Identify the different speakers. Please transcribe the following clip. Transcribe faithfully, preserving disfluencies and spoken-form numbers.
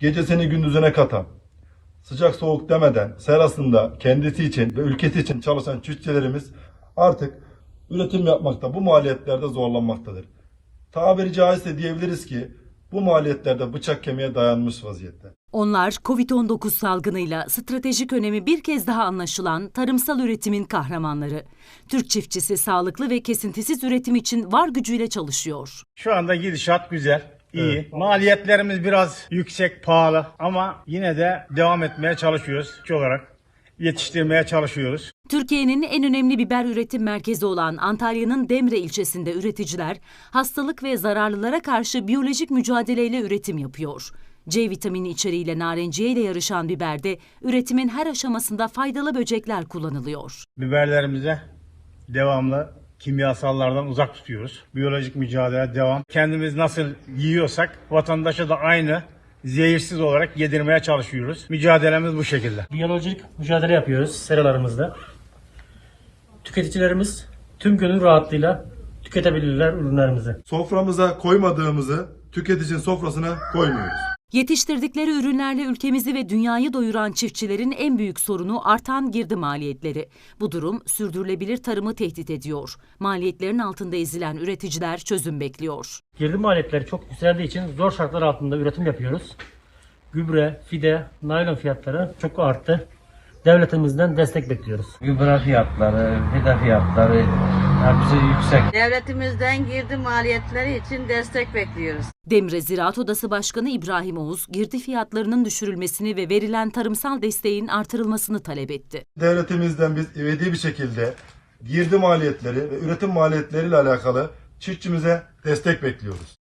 Speaker 1: gecesini gündüzüne katan, sıcak soğuk demeden serasında kendisi için ve ülkesi için çalışan çiftçilerimiz artık üretim yapmakta, bu maliyetlerde zorlanmaktadır. Tabiri caizse diyebiliriz ki bu maliyetlerde bıçak kemiğe dayanmış vaziyette.
Speaker 2: Onlar kovid on dokuz salgınıyla stratejik önemi bir kez daha anlaşılan tarımsal üretimin kahramanları. Türk çiftçisi sağlıklı ve kesintisiz üretim için var gücüyle çalışıyor.
Speaker 3: Şu anda gidişat güzel, iyi.
Speaker 1: Evet.
Speaker 3: Maliyetlerimiz biraz yüksek, pahalı ama yine de devam etmeye çalışıyoruz. Çiftçi olarak yetiştirmeye çalışıyoruz.
Speaker 2: Türkiye'nin en önemli biber üretim merkezi olan Antalya'nın Demre ilçesinde üreticiler hastalık ve zararlılara karşı biyolojik mücadeleyle üretim yapıyor. C vitamini içeriğiyle narenciye ile yarışan biberde üretimin her aşamasında faydalı böcekler kullanılıyor.
Speaker 3: Biberlerimize devamlı kimyasallardan uzak tutuyoruz. Biyolojik mücadele devam. Kendimiz nasıl yiyorsak vatandaşa da aynı zehirsiz olarak yedirmeye çalışıyoruz. Mücadelemiz bu şekilde.
Speaker 4: Biyolojik mücadele yapıyoruz seralarımızda. Tüketicilerimiz tüm gönül rahatlığıyla tüketebilirler ürünlerimizi.
Speaker 1: Soframıza koymadığımızı tüketicinin sofrasına koymuyoruz.
Speaker 2: Yetiştirdikleri ürünlerle ülkemizi ve dünyayı doyuran çiftçilerin en büyük sorunu artan girdi maliyetleri. Bu durum sürdürülebilir tarımı tehdit ediyor. Maliyetlerin altında ezilen üreticiler çözüm bekliyor.
Speaker 4: Girdi maliyetleri çok yükseldiği için zor şartlar altında üretim yapıyoruz. Gübre, fide, naylon fiyatları çok arttı. Devletimizden destek bekliyoruz.
Speaker 5: Gübre fiyatları, fide fiyatları hepsi yüksek.
Speaker 6: Devletimizden girdi maliyetleri için destek bekliyoruz.
Speaker 2: Demre Ziraat Odası Başkanı İbrahim Oğuz, girdi fiyatlarının düşürülmesini ve verilen tarımsal desteğin artırılmasını talep etti.
Speaker 1: Devletimizden biz ivedi bir şekilde girdi maliyetleri ve üretim maliyetleriyle alakalı çiftçimize destek bekliyoruz.